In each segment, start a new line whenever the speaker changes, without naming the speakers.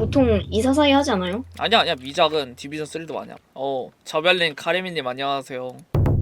보통 244이 하지 않아요?
아니야 미작은 디비전 3도 많이 함. 저별님 카레미님 안녕하세요.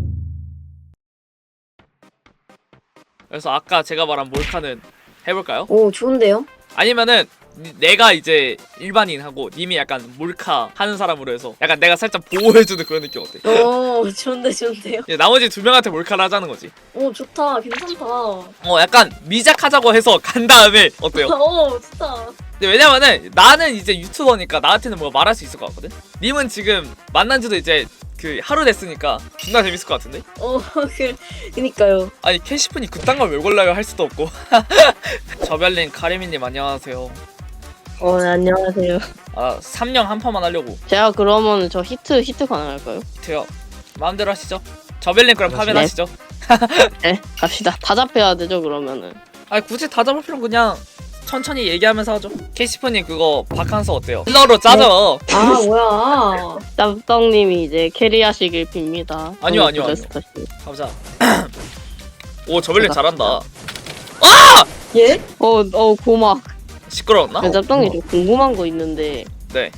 그래서 아까 제가 말한 몰카는 해볼까요?
오, 좋은데요?
아니면은 내가 이제 일반인하고 님이 약간 몰카 하는 사람으로 해서 약간 내가 살짝 보호해주는 그런 느낌 어때?
오, 좋은데요?
나머지 두 명한테 몰카를 하자는 거지.
오, 좋다. 괜찮다.
약간 미작하자고 해서 간 다음에 어때요?
오, 좋다.
근데 왜냐면은 나는 이제 유튜버니까 나한테는 뭐 말할 수 있을 것 같거든? 님은 지금 만난 지도 이제 그 하루 됐으니까 존나 재밌을 것 같은데?
오, 그니까요.
아니 캐시프니 그딴 걸 왜 골라요 할 수도 없고. 저별님 카레미님 안녕하세요.
네, 안녕하세요.
3령 한 판만 하려고.
제가 그러면 저 히트 가능할까요?
돼요. 마음대로 하시죠. 저별님 그럼 파면
네.
하시죠.
네, 갑시다. 다 잡혀야 되죠, 그러면은.
아니 굳이 다 잡을 필요는 그냥 천천히 얘기하면서 하죠. 캐시프님 그거 바캉스 어때요? 힐러로 짜죠.
아, 뭐야.
짬떡님이 이제 캐리하시길 빕니다.
아니요.
부자스타씨.
가보자. 오 저별님 잘한다.
예?
고막.
시끄러웠나?
짬떡님 좀 궁금한 거 있는데.
네.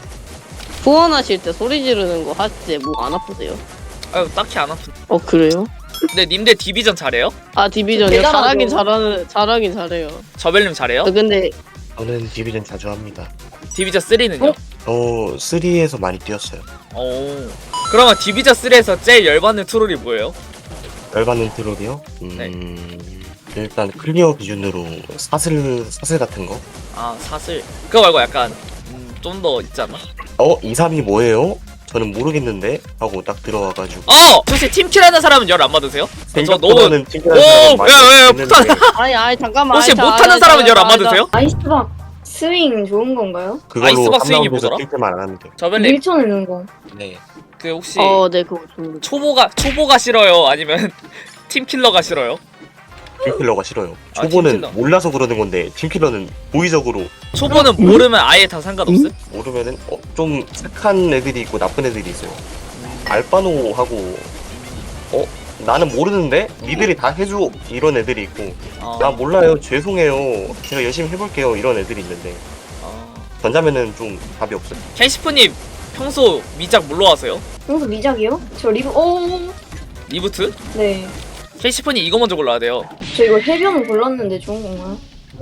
후원하실 때 소리 지르는 거 할 때 뭐 안 아프세요?
아유 딱히 안 아픈.
그래요?
근데 님들 디비전 잘해요?
디비전이요?
대단하죠.
잘하긴 잘해요.
저별님 잘해요?
근데
저는 디비전 자주 합니다.
디비전 3는요?
저 3에서 많이 뛰었어요.
오. 그러면 디비전 3에서 제일 열받는 트롤이 뭐예요?
열받는 트롤이요?
네.
일단 클리어 기준으로 사슬 같은 거?
사슬. 그거 말고 약간 좀 더 있지 않나?
2-3이 뭐예요? 저는 모르겠는데 하고 딱 들어와가지고
혹시 팀킬하는 사람은 열 안 받으세요? 저 너무
생각보다는 팀킬하는 사람 많이
왜,
있는데
아니 잠깐만.
혹시 못하는 사람은 열 안 받으세요?
아이스박 스윙 좋은 건가요?
그걸로
아이스박 스윙이
3라운드에서
뭐더라?
팀킬만 안 하면 돼요.
저별님
밀쳐내는 거.
네.
그 혹시
네, 그거 좋은데.
초보가 싫어요? 아니면 팀킬러가 싫어요?
팀킬러가 싫어요. 초보는
팀킬러.
몰라서 그러는 건데 팀킬러는 고의적으로
초보는 모르면 아예 다 상관없음?
모르면은 좀 착한 애들이 있고 나쁜 애들이 있어요. 알바노하고 나는 모르는데 니들이 다 해줘 이런 애들이 있고 나 몰라요 죄송해요 제가 열심히 해볼게요 이런 애들이 있는데 전자면은 좀 답이 없어요.
캐시프님 평소 미작 뭘로 하세요?
평소 미작이요? 저 리브,
리부트?
네.
캐시프님 이거 먼저 골라야 돼요.
저 이거 해변을 골랐는데 좋은 건가요?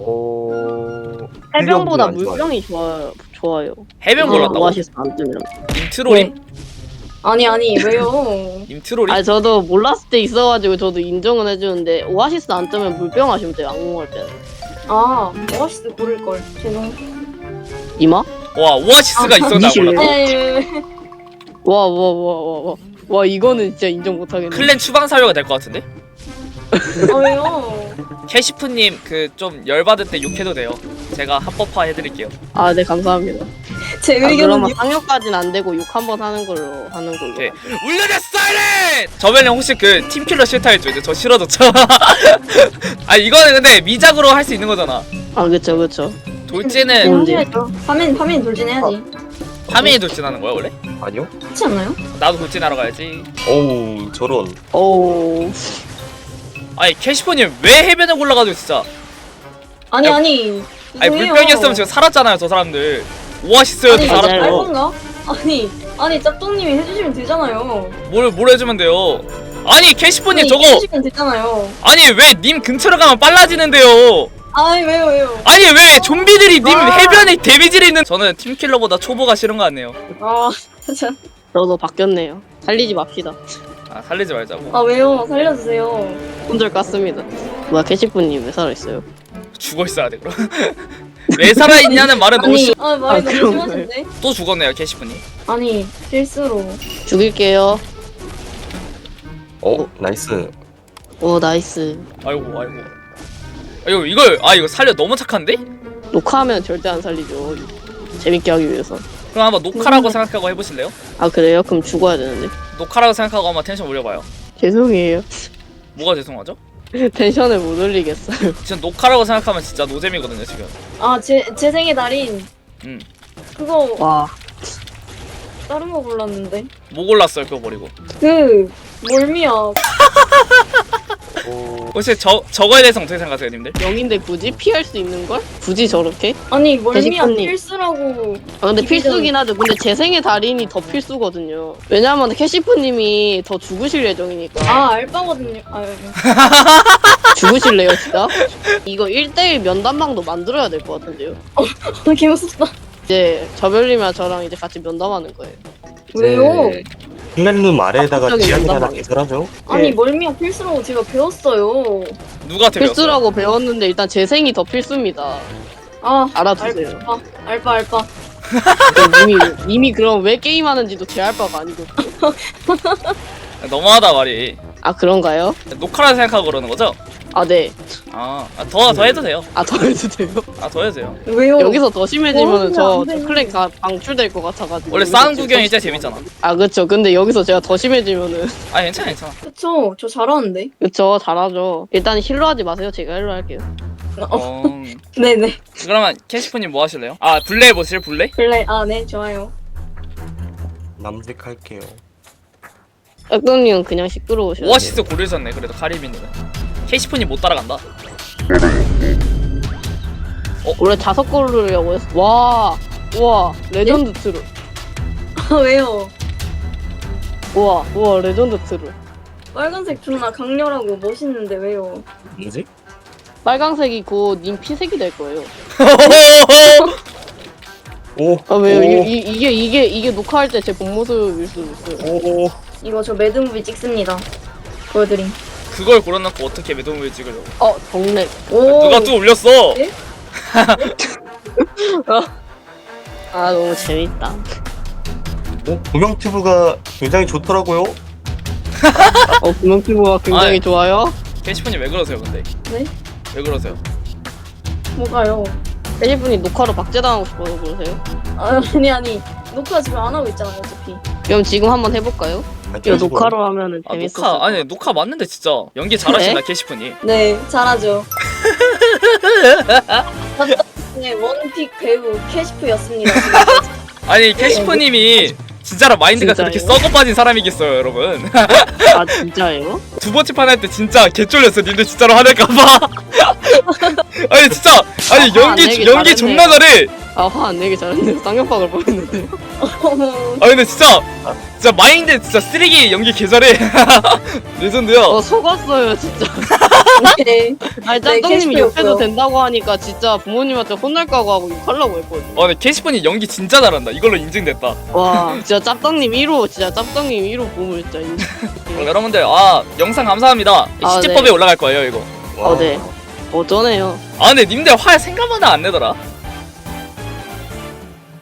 해병보다
안 좋아요.
물병이 좋아요.
해변 골랐다고?
오아시스 안 뜨면.
임트롤임?
아니, 왜요?
임트롤임?
저도 몰랐을 때 있어가지고 저도 인정은 해주는데 오아시스 안 뜨면 물병 하시면 돼요. 악몽할 때는.
오아시스 고를걸. 죄송.
이마?
와 오아시스가 있었나
미실래요?
몰랐다.
네.
와 이거는 진짜 인정 못하겠네.
클랜 추방 사유가 될 것 같은데?
왜요?
캐시프님 그 좀 열받을 때 욕해도 돼요. 제가 합법화 해드릴게요.
네 감사합니다.
제 의견은
그러면 상륙까지는 안 되고 욕 한 번 하는 걸로.
오케이. 울려라 사이렌! 저번에 혹시 그 팀킬러 싫다 했죠? 이제 저 싫어졌죠? 이거는 근데 미작으로 할 수 있는 거잖아.
그쵸.
돌진은
언제?
해야죠. 파면 돌진해야지.
파밍이 돌진하는 거야 원래?
아니요?
그렇지 않나요?
나도 돌진하러 가야지.
어우 저런
캐시프님 왜 해변에 올라가죠 진짜?
아니 죄송해요.
물병이었으면 지금 살았잖아요 저 사람들. 오아시스여도
아니
살았고.
알건가? 아니 짭똥님이 해주시면 되잖아요.
뭘 해주면 돼요? 캐시프님 저거
해주시면 되잖아요.
왜 님 근처로 가면 빨라지는데요?
왜요?
왜 좀비들이 님
아.
해변에 데미지를 있는. 저는 팀킬러보다 초보가 싫은 것 같네요.
참.
저도 바뀌었네요. 살리지 맙시다.
살리지 말자고.
왜요? 살려주세요.
혼절 깠습니다. 뭐야 캐시프님 왜 살아있어요?
죽어 있어야 돼 그럼. 왜 살아있냐는 말은 너무
말이 너무
그런
심하신데?
또 죽었네요 캐시프님.
실수로.
죽일게요.
나이스.
나이스.
아이고 이거 살려 너무 착한데?
녹화하면 절대 안 살리죠. 재밌게 하기 위해서.
그럼 한번 녹화라고 생각하고 해보실래요?
그래요? 그럼 죽어야 되는데.
녹화라고 생각하고 한번 텐션 올려봐요.
죄송해요.
뭐가 죄송하죠?
텐션을 못 올리겠어요.
지금 녹화라고 생각하면 진짜 노잼이거든요 지금.
제 생의 달인. 그거
와.
다른 거 골랐는데.
뭐 골랐어요 그거 버리고?
몰미야.
혹시 저거에 대해서 어떻게 생각하세요, 님들?
영인데 굳이 피할 수 있는 걸? 굳이 저렇게?
아니 멀미야
대식가님.
필수라고.
아 근데
비비전-
필수긴 하죠. 근데 재생의 달인이 더 필수거든요. 왜냐면 캐시프님이 더 죽으실 예정이니까.
아 알바거든요. 아유.
죽으실래요 진짜? 이거 1대1 면담방도 만들어야 될 것 같은데요.
개 무섭다.
이제 저별님이랑 저랑 이제 같이 면담하는 거예요.
왜요?
플랫룸 아래에다가
갑자기
지안이 하나
연락이.
개설하죠.
아니
네.
멀미야 필수라고 제가 배웠어요.
누가 배웠어요?
필수라고 배웠는데 일단 재생이 더 필수입니다.
아
알아두세요.
알바.
이미 그럼 왜 게임하는지도 제 알 바가 아니고.
너무하다 말이.
아 그런가요?
녹화라 생각하고 그러는 거죠?
아 네.
더 해도 돼요.
아 더 해도 돼요?
더 해도 돼요.
왜요?
여기서 더 심해지면 저
안 되는데.
클릭 다 방출될 것 같아가지고.
원래
여기서
싸움
지금
구경이
더
진짜
심해지면.
재밌잖아.
아 그쵸. 근데 여기서 제가 더 심해지면은
괜찮아.
그쵸. 저 잘하는데.
그쵸 잘하죠. 일단 힐러 하지 마세요. 제가 힐러 할게요.
네네.
그러면 캐시프님 뭐 하실래요? 블레 해보실 블레?
블레 네 좋아요.
남색할게요.
악동님은 그냥 시끄러우셔요.
오아시스 고르셨네. 그래도 카리비는. 캐시프님 못 따라간다.
원래 5골르려고 했어. 우와 레전드 트루.
왜요?
우와 레전드 트루.
빨간색 존나 강렬하고 멋있는데 왜요?
뭐지?
빨강색이 곧 님 피색이 될 거예요.
오.
아 왜요?
오.
이게 녹화할 때 제 본 모습일 수도 있어요.
오.
이거 저 매드무비 찍습니다. 보여드림.
그걸 고려놓고 어떻게 매듭을 찍으려고?
정렉.
오.
누가 또 올렸어?
예?
아 너무 재밌다.
구명튜브가 굉장히 좋더라고요.
구명피부가 굉장히
아이.
좋아요.
캐시프님 왜 그러세요, 근데?
네?
왜 그러세요?
뭐가요?
대리분이 녹화로 박제당하고 싶어서 그러세요?
아니 녹화 지금 안 하고 있잖아요 어차피.
그럼 지금 한번 해볼까요? 이거 녹화로 하면은
녹화
재밌어.
녹화 맞는데 진짜 연기 잘하신다 캐시프님.
네 잘하죠. 네 원픽 배우 캐시프였습니다. 지금까지.
아니 캐시프님이 진짜로 마인드가
진짜요?
그렇게 썩어 빠진 사람이겠어요, 여러분.
아 진짜예요?
두 번째 판 할 때 진짜 개쫄렸어. 님들 진짜로 화낼까봐. 아니 진짜
안
연기
내기
연기
잘했네요.
존나 잘해.
화 안 내기 잘했는데 쌍욕박을 뻔했는데.
근데 진짜 마인드 진짜 쓰레기 연기 개 잘해. 레전드야.
속았어요 진짜.
네.
아니
네,
짬뽕님이
캐시프였어요.
욕해도 된다고 하니까 진짜 부모님한테 혼날까고 하고 욕하려고 했거든요.
근데 캐시프님 연기 진짜 잘한다. 이걸로 인증됐다.
와 진짜 짭떡님 1호 진짜 짭떡님 1호 보물 진짜 인정.
여러분들 영상 감사합니다. 시제법에
네.
올라갈 거예요 이거.
네. 어쩌네요.
근데 님들 화 생각보다 안 내더라.